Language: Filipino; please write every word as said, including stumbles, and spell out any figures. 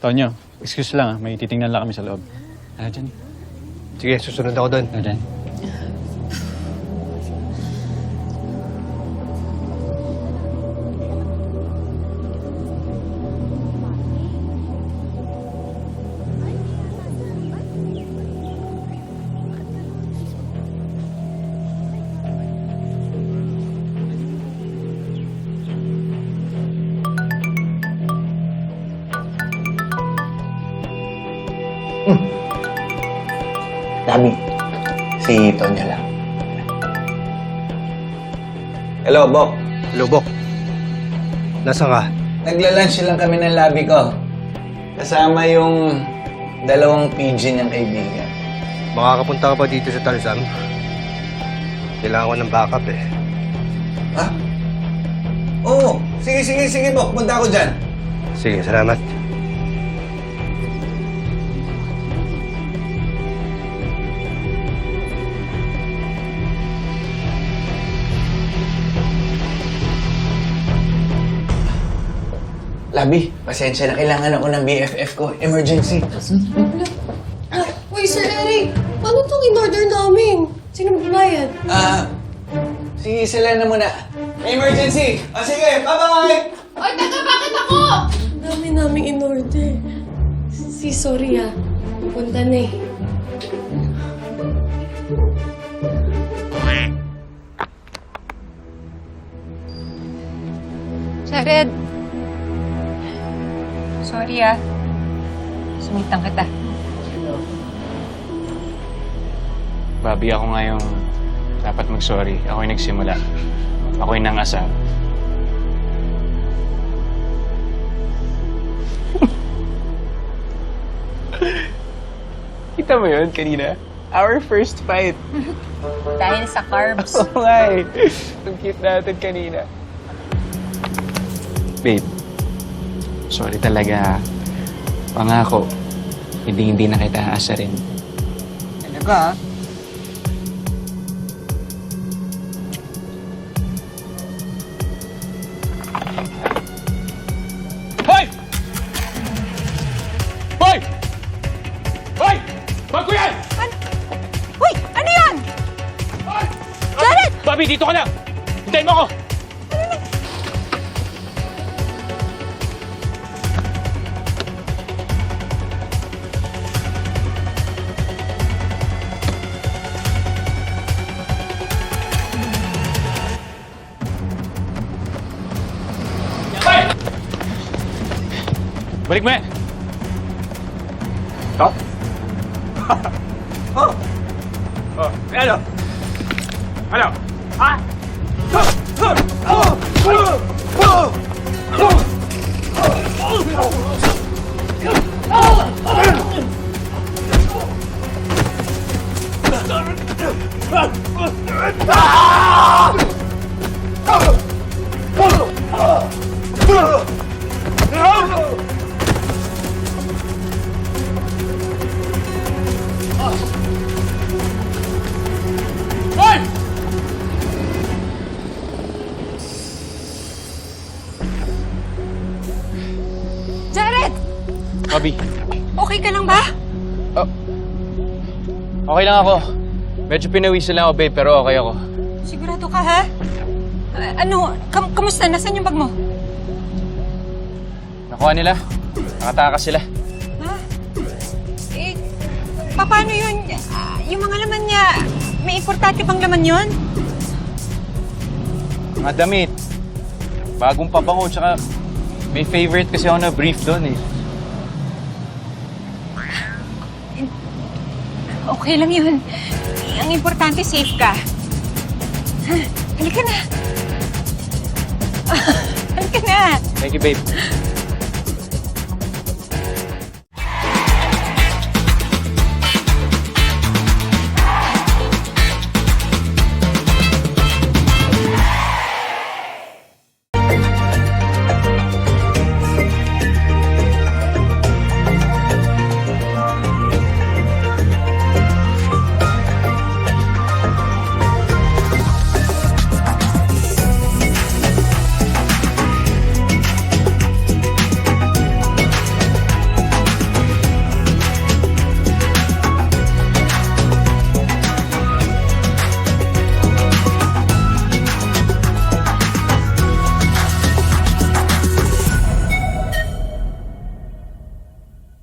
Tonyo, excuse lang ah. May titingnan lang kami sa loob. Ano dyan? Sige, susunod ako doon. Ano dyan? Dami. Si Tonyo lang. Hello, Bok. Lubok. Nasaan ka? Nagla-lunch lang kami ng labi ko. Kasama yung dalawang P G niyang kaibigan. Makakapunta ka pa dito sa Tarzan? Kailangan ko ng backup eh. Ha? Oo. Sige, sige, sige, Bok. Punta ako dyan. Sige, salamat. Labi, pasensya na. Kailangan ako ng B F F ko. Emergency. Uy, Sir Eric! Paano itong in-order namin? Sino magbabayad? Ah, sige, sila na muna. May emergency! O sige, bye-bye! Ay, taga, bakit ako? Ang dami namin in-order. Si, sorry ah. Pupunta na eh. Jared. Sorry ah. Sumitang kita. Bobby, ako nga yung dapat mag-sorry. Ako yung nagsimula. Ako yung nang-asal. Kita mo yun kanina? Our first fight. Dahil sa carbs. Oo nga eh. Ang cute natin kanina. Babe, sorry talaga. Pangako, hindi hindi na kita aasarin. Ano ka, ha? Hoy! Hoy! Hoy! Bag ko yan! Uy! Ano yan? Hoy! Jared! Bobby, dito ka na! Hintayin mo ako! Balik mo yan! Oh? oh? Oh, ano? Ano? Ha? Hoy! Jared! Bobby, Okay ka lang ba? okay lang ako. Medyo pinawisan lang ako, babe, pero okay ako. Sigurado ka, ha? Ah, ano? Kam kamusta? Nasaan yung bag mo? Nakuha nila. Nakatakas sila. Ha? Eh, paano yun? Ah, yung mga laman niya, may importante bang laman yun? Mga damit. Bagong pabango, tsaka may favorite kasi ako na brief doon eh. Okay lang yun. Ang importante, safe ka. Ha? Halika na. Halika na. Thank you, babe.